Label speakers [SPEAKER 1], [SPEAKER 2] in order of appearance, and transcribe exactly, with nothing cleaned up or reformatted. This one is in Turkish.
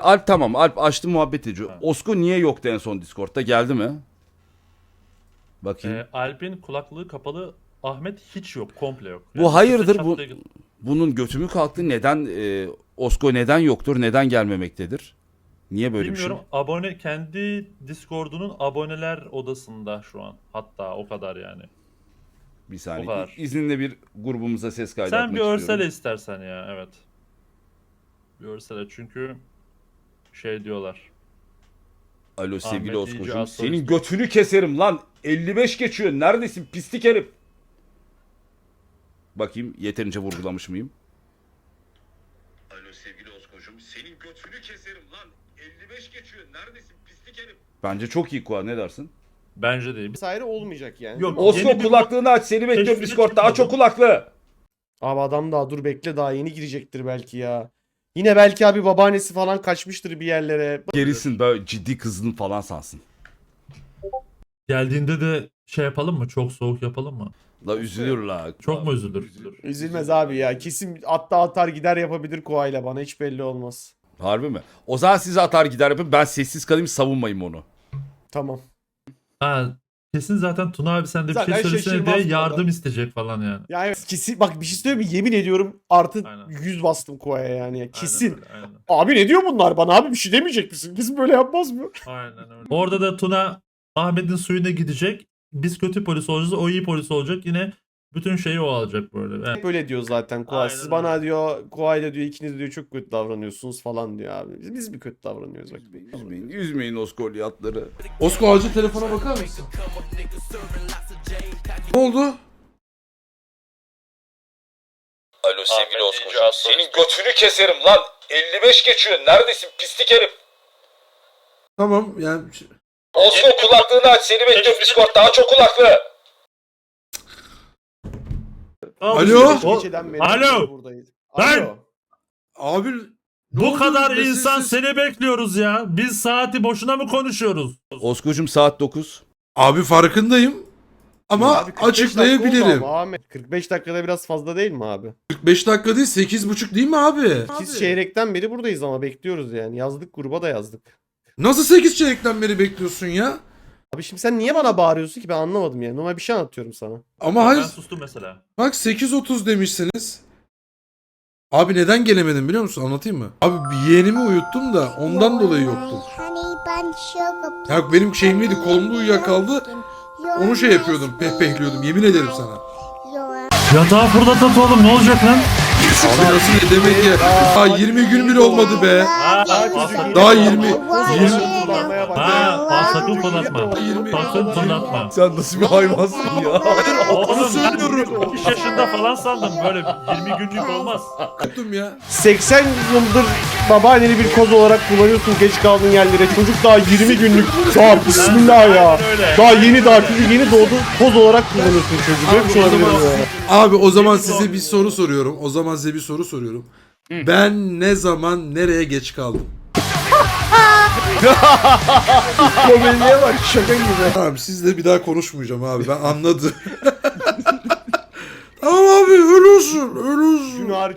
[SPEAKER 1] Alp tamam. Alp açtı muhabbet ediyor.
[SPEAKER 2] Ha.
[SPEAKER 1] Osko niye yoktu en son Discord'da? Geldi mi? Bakayım.
[SPEAKER 2] Ee, Alp'in kulaklığı kapalı, Ahmet hiç yok, komple yok.
[SPEAKER 1] Bu hayırdır,
[SPEAKER 2] çat
[SPEAKER 1] bu-
[SPEAKER 2] diye-
[SPEAKER 1] Bunun götü mü kalktı? Neden e, Osko neden yoktur? Neden gelmemektedir? Niye böyle
[SPEAKER 2] Bilmiyorum,
[SPEAKER 1] bir şey?
[SPEAKER 2] abone kendi Discord'unun aboneler odasında şu an. Hatta o kadar yani.
[SPEAKER 1] Bir
[SPEAKER 2] O
[SPEAKER 1] saniye.
[SPEAKER 2] kadar.
[SPEAKER 1] İzninle bir grubumuza ses kaydı
[SPEAKER 2] Sen
[SPEAKER 1] atmak
[SPEAKER 2] bir örsele
[SPEAKER 1] istiyorum.
[SPEAKER 2] istersen ya, evet. Bir örsele, çünkü şey diyorlar.
[SPEAKER 1] Alo sevgili
[SPEAKER 2] Ahmet iyice
[SPEAKER 1] Osko'cum.
[SPEAKER 2] az
[SPEAKER 1] Senin
[SPEAKER 2] solist.
[SPEAKER 1] götünü keserim lan. elli beş geçiyor. Neredesin pislik herif? Bakayım yeterince vurgulamış mıyım? Alo sevgili Osko'cum. Senin götünü keserim lan. elli beş geçiyor. Neredesin pislik herif? Bence çok iyi Kuva, ne dersin?
[SPEAKER 2] Bence değil.
[SPEAKER 3] Vesaire olmayacak yani.
[SPEAKER 2] Yok.
[SPEAKER 1] Osko
[SPEAKER 2] Yeni bir-
[SPEAKER 1] kulaklığını aç. Seni bekliyorum
[SPEAKER 2] Keşfine
[SPEAKER 1] Discord'da. Aç o
[SPEAKER 2] çıkmadım.
[SPEAKER 1] kulaklığı.
[SPEAKER 3] Abi adam daha dur bekle, daha yeni girecektir belki ya. Yine belki abi babaannesi falan kaçmıştır bir yerlere.
[SPEAKER 1] Gerisin, böyle ciddi kızdın falan sansın.
[SPEAKER 2] Geldiğinde de şey yapalım mı? Çok soğuk yapalım mı?
[SPEAKER 1] La üzülür la.
[SPEAKER 2] Çok mu üzülür?
[SPEAKER 3] Üzülmez abi ya. Kesin atta atar gider yapabilir Koa'yla, bana hiç belli olmaz.
[SPEAKER 1] Harbi mi? O zaman siz atar gider yapın. Ben sessiz kalayım, savunmayayım onu.
[SPEAKER 3] Tamam.
[SPEAKER 2] Ha, kesin zaten Tuna abi sen de bir
[SPEAKER 3] Zaten
[SPEAKER 2] şey söylesene
[SPEAKER 3] şaşırmaz
[SPEAKER 2] diye
[SPEAKER 3] bu
[SPEAKER 2] yardım
[SPEAKER 3] adam.
[SPEAKER 2] isteyecek falan yani.
[SPEAKER 3] Yani kesin bak, bir şey söyleyeyim mi? Yemin ediyorum artı
[SPEAKER 2] Aynen.
[SPEAKER 3] yüz bastım Koa'ya yani. Kesin.
[SPEAKER 2] Aynen öyle, aynen.
[SPEAKER 3] Abi ne diyor bunlar bana, abi bir şey demeyecek misin? Kesin böyle yapmaz mı?
[SPEAKER 2] Aynen öyle. Orada da Tuna Ahmet'in suyuna gidecek. Biz kötü polis olacağız, o iyi polis olacak. Yine bütün şeyi o alacak böyle. Evet.
[SPEAKER 3] Hep öyle diyor zaten Koa.
[SPEAKER 2] Aynen
[SPEAKER 3] Siz
[SPEAKER 2] öyle.
[SPEAKER 3] bana diyor Koa'yla diyor ikiniz diyor çok kötü davranıyorsunuz falan diyor abi. Biz, biz mi kötü davranıyoruz bak.
[SPEAKER 1] Üzmeyin, üzmeyin Oskolyatları.
[SPEAKER 4] Osko acil telefona bakar mısın? Ne oldu?
[SPEAKER 1] Alo sevgili
[SPEAKER 2] Ahmet
[SPEAKER 1] Osko'cum.
[SPEAKER 2] iyice az
[SPEAKER 1] Senin
[SPEAKER 2] solist.
[SPEAKER 1] götünü keserim lan. elli beş geçiyor. Neredesin pislik herif?
[SPEAKER 4] Tamam yani
[SPEAKER 1] Osko kulaklığını aç. Seni bekliyorum Discord'da. Aç o kulaklığı.
[SPEAKER 4] Alo?
[SPEAKER 3] Beş geceden beri
[SPEAKER 2] Alo?
[SPEAKER 3] buradayız.
[SPEAKER 2] Ben-
[SPEAKER 3] Alo.
[SPEAKER 4] abi ne
[SPEAKER 2] Bu
[SPEAKER 4] oldu?
[SPEAKER 2] kadar
[SPEAKER 4] Mesajsız-
[SPEAKER 2] insan seni bekliyoruz ya. Biz saati boşuna mı konuşuyoruz?
[SPEAKER 1] Osko'cum saat dokuz.
[SPEAKER 4] Abi farkındayım. Ama
[SPEAKER 3] Abi kırk beş dakika
[SPEAKER 4] açıklayabilirim.
[SPEAKER 3] oldu ama Ahmet. kırk beş dakikada biraz fazla değil mi abi?
[SPEAKER 4] kırk beş dakika değil sekiz buçuk değil mi abi?
[SPEAKER 3] Biz çeyrekten beri buradayız ama bekliyoruz yani. Yazdık, gruba da yazdık.
[SPEAKER 4] Nasıl sekiz çeyrekten beri bekliyorsun ya?
[SPEAKER 3] Abi şimdi sen niye bana bağırıyorsun ki, ben anlamadım yani. Normal bir şey anlatıyorum sana.
[SPEAKER 4] Ama
[SPEAKER 2] Ben
[SPEAKER 4] hayır
[SPEAKER 2] sustum mesela.
[SPEAKER 4] bak sekiz otuz demişsiniz. Abi neden gelemedim biliyor musun? Anlatayım mı? Abi bir yeğenimi uyuttum da ondan dolayı yoktum. Ya benim şeyim neydi? Kolumda uyuyakaldı. Onu şey yapıyordum, pehpehliyordum. Yemin ederim sana.
[SPEAKER 2] Yatağı fırlatat oğlum, ne olacak lan?
[SPEAKER 4] Abi nasıl ne demek ya? Daha yirmi gün bile olmadı be.
[SPEAKER 2] Ha,
[SPEAKER 3] Daha
[SPEAKER 2] ha,
[SPEAKER 3] çocuk
[SPEAKER 4] Daha
[SPEAKER 3] yeni-
[SPEAKER 4] yirmi-
[SPEAKER 3] yirmi kullanmaya bak.
[SPEAKER 2] Ha, ha, sakın fırlatma.
[SPEAKER 4] yirmi-
[SPEAKER 2] Sakın fırlatma.
[SPEAKER 1] Sen nasıl bir hayvansın ya?
[SPEAKER 2] Oğlum ben
[SPEAKER 4] söylüyorum.
[SPEAKER 2] iki yaşında falan sandım, böyle yirmi günlük olmaz.
[SPEAKER 4] Yaptım ya.
[SPEAKER 3] seksen yıldır babaanneni bir koz olarak kullanıyorsun geç kaldığın yerlere. Çocuk daha yirmi günlük. Daha bismillah ya.
[SPEAKER 2] Aynen öyle.
[SPEAKER 3] Daha yeni daha çocuk yeni doğdu. Koz olarak kullanıyorsun çocuğu. Böyle bir şey
[SPEAKER 4] o
[SPEAKER 3] olabilir
[SPEAKER 4] zaman-
[SPEAKER 3] mi ya?
[SPEAKER 4] Abi o zaman
[SPEAKER 2] Yemin
[SPEAKER 4] size
[SPEAKER 2] olsun.
[SPEAKER 4] bir soru soruyorum. O zaman size bir soru soruyorum. Ben ne zaman nereye geç kaldım?
[SPEAKER 3] Komediye bak, şaka gibi.
[SPEAKER 4] Tamam sizle bir daha konuşmayacağım abi. Ben anladım. Tamam abi öyle olsun. Öyle olsun.
[SPEAKER 3] Günah